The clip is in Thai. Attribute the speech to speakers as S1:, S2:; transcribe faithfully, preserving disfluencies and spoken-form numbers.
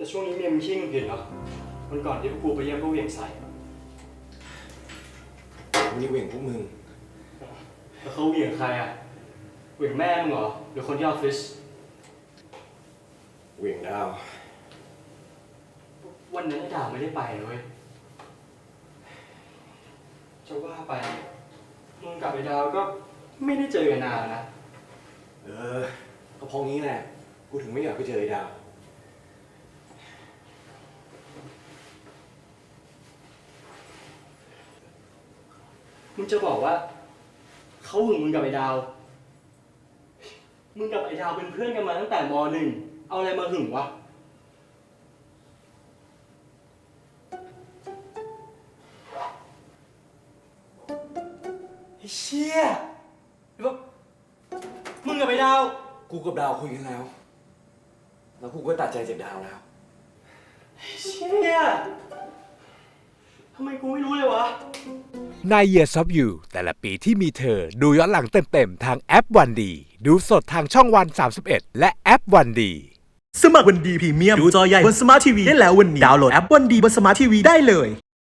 S1: แต่ช่วงนี้เมียมึงขี้หงุดหงิดเนาะวันก่อนที่พวกกูไปเยี่ยมพวกเหวี่ยงใส่
S2: มีเหวี่ยงพวกมึง
S1: แล้วเขาเหวี่ยงใครอ่ะเหวี่ยงแม่มึงเหรอหรือคนที่ออฟฟิศ
S2: เหวี่ยงดาว
S1: วันนั้นไอ้ดาวไม่ได้ไปเลยเว้ยจะว่าไปมึงกับไอ้ดาวก็ไม่ได้เจอกันนานนะ
S2: เออก็เพราะงี้แหละกูถึงไม่อยากไปเจอไอ้ดาว
S1: มึงจะบอกว่าเขาหึงมึงกับไอ้ดาวมึงกับไอ้ดาวเป็นเพื่อนกันมาตั้งแต่ม.หนึ่งเอาอะไรมาหึงวะไอ้เชี่ยแบบมึงกับไอ้ดาว
S2: กูกับดาวคุยกันแล้วแล้วกูก็ตัดใจจากดาวแล้ว
S1: ไอ้เชี่ยทำไมกูไม่รู้เลยวะ
S3: ใน Years of You แต่ละปีที่มีเธอดูย้อนหลังเต็มๆทางแอปวันดีดูสดทางช่องวันสามสิบเอ็ดและแอปวันดี
S4: สมัครวันดีพรีเมียมดูจอใหญ่บนสมาร์ททีวีได้แล้ววันนี้ดาวน์โหลดแอปวันดีบนสมาร์ททีวีได้เลย